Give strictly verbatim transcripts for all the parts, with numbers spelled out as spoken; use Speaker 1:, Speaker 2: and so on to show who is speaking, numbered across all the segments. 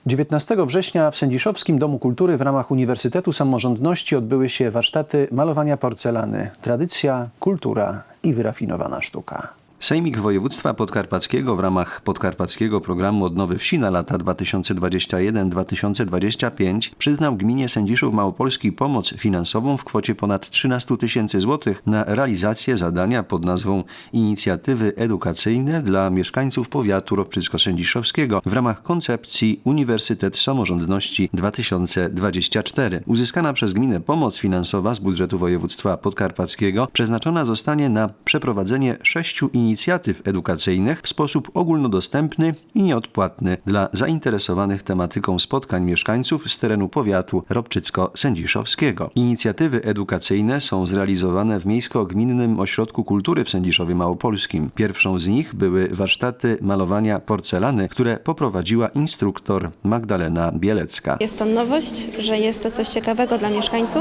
Speaker 1: dziewiętnastego września w Sędziszowskim Domu Kultury w ramach Uniwersytetu Samorządności odbyły się warsztaty malowania porcelany. Tradycja, kultura i wyrafinowana sztuka. Sejmik Województwa Podkarpackiego w ramach Podkarpackiego Programu Odnowy Wsi na lata dwa tysiące dwudziesty pierwszy do dwa tysiące dwudziestego piątego przyznał gminie Sędziszów Małopolski pomoc finansową w kwocie ponad trzynastu tysięcy złotych na realizację zadania pod nazwą Inicjatywy Edukacyjne dla mieszkańców powiatu ropczycko-sędziszowskiego w ramach koncepcji Uniwersytet Samorządności dwa tysiące dwudziesty czwarty. Uzyskana przez gminę pomoc finansowa z budżetu województwa podkarpackiego przeznaczona zostanie na przeprowadzenie sześciu inicjatyw inicjatyw edukacyjnych w sposób ogólnodostępny i nieodpłatny dla zainteresowanych tematyką spotkań mieszkańców z terenu powiatu ropczycko-sędziszowskiego. Inicjatywy edukacyjne są zrealizowane w Miejsko-Gminnym Ośrodku Kultury w Sędziszowie Małopolskim. Pierwszą z nich były warsztaty malowania porcelany, które poprowadziła instruktor Magdalena Bielecka.
Speaker 2: Jest to nowość, że jest to coś ciekawego dla mieszkańców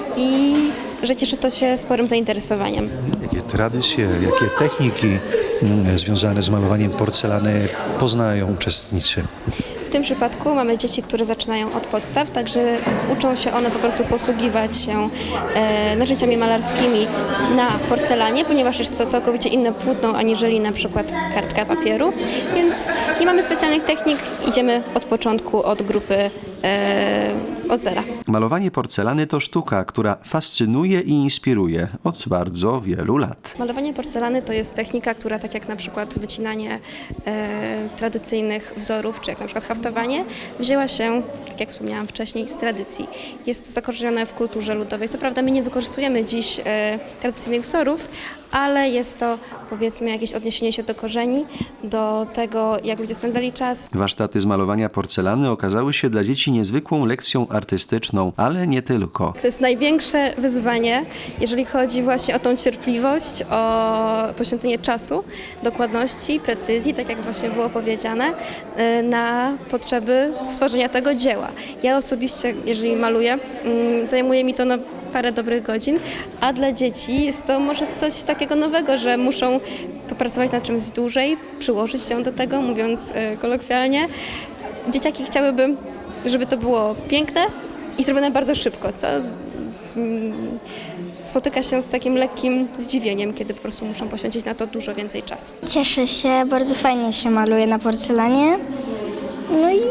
Speaker 2: i że cieszy to się sporym zainteresowaniem.
Speaker 3: Jakie tradycje, jakie techniki związane z malowaniem porcelany poznają uczestnicy?
Speaker 2: W tym przypadku mamy dzieci, które zaczynają od podstaw, także uczą się one po prostu posługiwać się e, narzędziami malarskimi na porcelanie, ponieważ jest to całkowicie inne płótno aniżeli na przykład kartka papieru, więc nie mamy specjalnych technik, idziemy od początku, od grupy e, od zera.
Speaker 1: Malowanie porcelany to sztuka, która fascynuje i inspiruje od bardzo wielu lat.
Speaker 2: Malowanie porcelany to jest technika, która tak jak na przykład wycinanie e, tradycyjnych wzorów, czy jak na przykład haftowanie, wzięła się, tak jak wspomniałam wcześniej, z tradycji. Jest zakorzenione w kulturze ludowej. Co prawda my nie wykorzystujemy dziś e, tradycyjnych wzorów, ale jest to, powiedzmy, jakieś odniesienie się do korzeni, do tego, jak ludzie spędzali czas.
Speaker 1: Warsztaty z malowania porcelany okazały się dla dzieci niezwykłą lekcją artystyczną, ale nie tylko.
Speaker 2: To jest największe wyzwanie, jeżeli chodzi właśnie o tą cierpliwość, o poświęcenie czasu, dokładności, precyzji, tak jak właśnie było powiedziane, na potrzeby stworzenia tego dzieła. Ja osobiście, jeżeli maluję, zajmuje mi to no, parę dobrych godzin, a dla dzieci jest to może coś takiego nowego, że muszą popracować nad czymś dłużej, przyłożyć się do tego, mówiąc kolokwialnie. Dzieciaki chciałyby, żeby to było piękne i zrobione bardzo szybko, co z, z, spotyka się z takim lekkim zdziwieniem, kiedy po prostu muszą poświęcić na to dużo więcej czasu.
Speaker 4: Cieszę się, bardzo fajnie się maluje na porcelanie. No i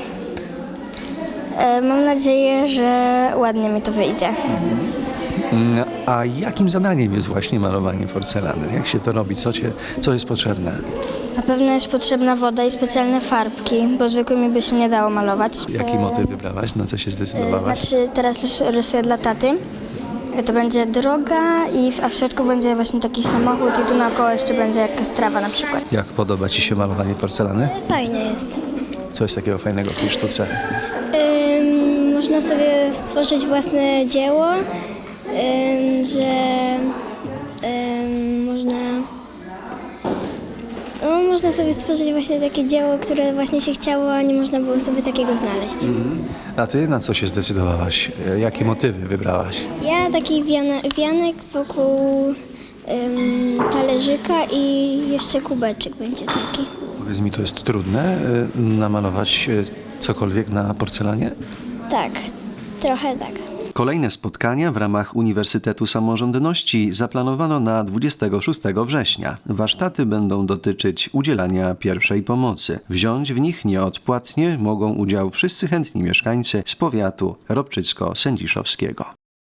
Speaker 4: e, mam nadzieję, że ładnie mi to wyjdzie.
Speaker 3: A jakim zadaniem jest właśnie malowanie porcelany? Jak się to robi? Co, cię, co jest potrzebne?
Speaker 4: Na pewno jest potrzebna woda i specjalne farbki, bo zwykłymi by się nie dało malować.
Speaker 3: Jaki motyw wybrałaś? Na co się zdecydowałaś?
Speaker 4: Znaczy teraz rysuję dla taty. To będzie droga, i w, a w środku będzie właśnie taki samochód i tu naokoło jeszcze będzie jakaś trawa na przykład.
Speaker 3: Jak podoba ci się malowanie porcelany?
Speaker 4: Fajnie jest.
Speaker 3: Co jest takiego fajnego w tej sztuce?
Speaker 4: Ym, można sobie stworzyć własne dzieło, ym, że ym, można, no, można sobie stworzyć właśnie takie dzieło, które właśnie się chciało, a nie można było sobie takiego znaleźć.
Speaker 3: Mhm. A ty na co się zdecydowałaś? Jakie motywy wybrałaś?
Speaker 4: Ja taki wiana, wianek wokół ym, talerzyka i jeszcze kubeczek będzie taki.
Speaker 3: Powiedz mi, to jest trudne y, namalować y, cokolwiek na porcelanie?
Speaker 4: Tak, trochę tak.
Speaker 1: Kolejne spotkania w ramach Uniwersytetu Samorządności zaplanowano na dwudziestego szóstego września. Warsztaty będą dotyczyć udzielania pierwszej pomocy. Wziąć w nich nieodpłatnie mogą udział wszyscy chętni mieszkańcy z powiatu ropczycko-sędziszowskiego.